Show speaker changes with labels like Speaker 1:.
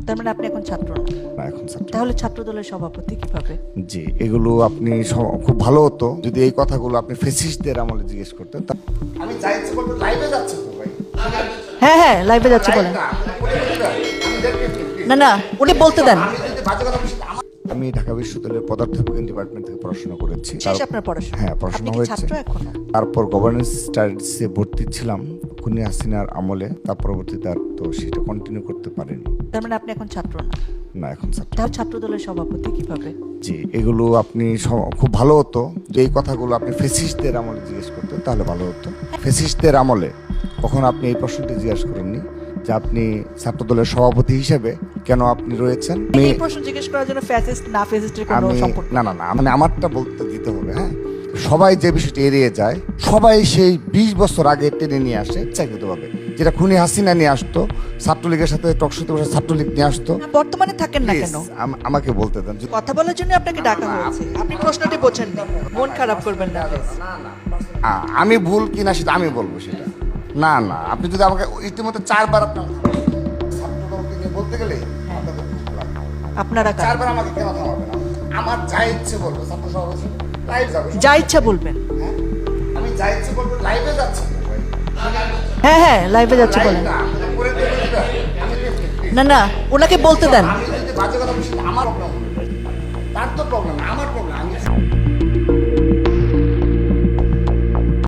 Speaker 1: তার মানে আপনি এখন ছাত্র না?
Speaker 2: না, এখন ছাত্র।
Speaker 1: তাহলে ছাত্র দলের সভাপতি কিভাবে?
Speaker 2: জি, এগুলো আপনি খুব ভালো হতো যদি এই কথাগুলো আপনি ফেসিস্টদের আমলে জিজ্ঞেস করতেন। আমি যাই ইচ্ছে বলবো, লাইভে যাচ্ছে তো ভাই।
Speaker 1: হ্যাঁ হ্যাঁ, লাইভে যাচ্ছে, বলেন। না না, উনি বলতে দেন।
Speaker 2: আমি ঢাকা বিশ্ববিদ্যালয়ের পদার্থবিজ্ঞান ডিপার্টমেন্ট থেকে পড়াশোনা করেছি।
Speaker 1: শেষ আপনার পড়াশোনা?
Speaker 2: হ্যাঁ,
Speaker 1: আপনি
Speaker 2: পড়াশোনা
Speaker 1: কি
Speaker 2: হয়েছে।
Speaker 1: ছাত্র এখনো?
Speaker 2: তারপর গভর্নেন্স স্টাডিজে ভর্তি ছিলাম খুনি হাসিনার আমলে, তার পরবর্তীতে আর তো সেটা কন্টিনিউ করতে পারিনি।
Speaker 1: তার মানে আপনি এখন ছাত্র না?
Speaker 2: না, এখন ছাত্র।
Speaker 1: তাহলে ছাত্র দলের সভাপতি কিভাবে?
Speaker 2: জি, এগুলো আপনি খুব ভালো হতো যে এই কথাগুলো আপনি ফেসিস্টদের আমলে জিজ্ঞেস করতেন, তাহলে ভালো হতো। ফেসিস্টদের আমলে কখন আপনি এই প্রশ্নটি জিজ্ঞাসা করেননি যে আপনি ছাত্রদলের সভাপতি হিসেবে কেন আপনি রয়েছেন।
Speaker 1: এই প্রশ্ন জিজ্ঞেস করার জন্য ফ্যাসিস্ট না ফ্যাসিস্টের কোনো
Speaker 2: আমি
Speaker 1: সম্পর্ক?
Speaker 2: না না না, মানে আমারটা বলতে দিতে হবে। হ্যাঁ, সবাই যে বিষয়টি এড়িয়ে যায়, সবাই সেই 20 বছর আগে টেনে নিয়ে আসে ইচ্ছাকৃতভাবে, যেটা খুনি হাসিনা নিয়ে আসতো, ছাত্রলীগের সাথে টকশোতে বসে ছাত্রলীগ নিয়ে আসতো।
Speaker 1: না, বর্তমানে থাকেন না কেন?
Speaker 2: Please, আমাকে বলতে দেন।
Speaker 1: কথা বলার জন্য আপনাকে ডাকা হয়েছে, আপনি প্রশ্নটি বোঝেন না, মন খারাপ করবেন না।
Speaker 2: আমি ভুল কিনা সেটা আমি বলবো সেটা। না না, আপনি যদি আমাকে ইতিমধ্যে 4 বার আপনার ছাত্রদলকে নিয়ে বলতে গেলে আপনাদের খুব লাগবে।
Speaker 1: আপনারা
Speaker 2: 4 বার আমাকে কেন থামাবেন? আমার যা ইচ্ছে বলবো, ছাত্র সভাপতি লাইভ যাবে।
Speaker 1: যা ইচ্ছা বলবেন।
Speaker 2: হ্যাঁ, আমি যা ইচ্ছে বলবো, লাইভে যাচ্ছি।
Speaker 1: হ্যাঁ হ্যাঁ, লাইভে যাচ্ছে, বলেন। না না, ওনাকে বলতে দেন।
Speaker 2: আমি যদি বাজে কথা বলছি, আমার প্রবলেম, তার তো প্রবলেম, আমার প্রবলেম। আমি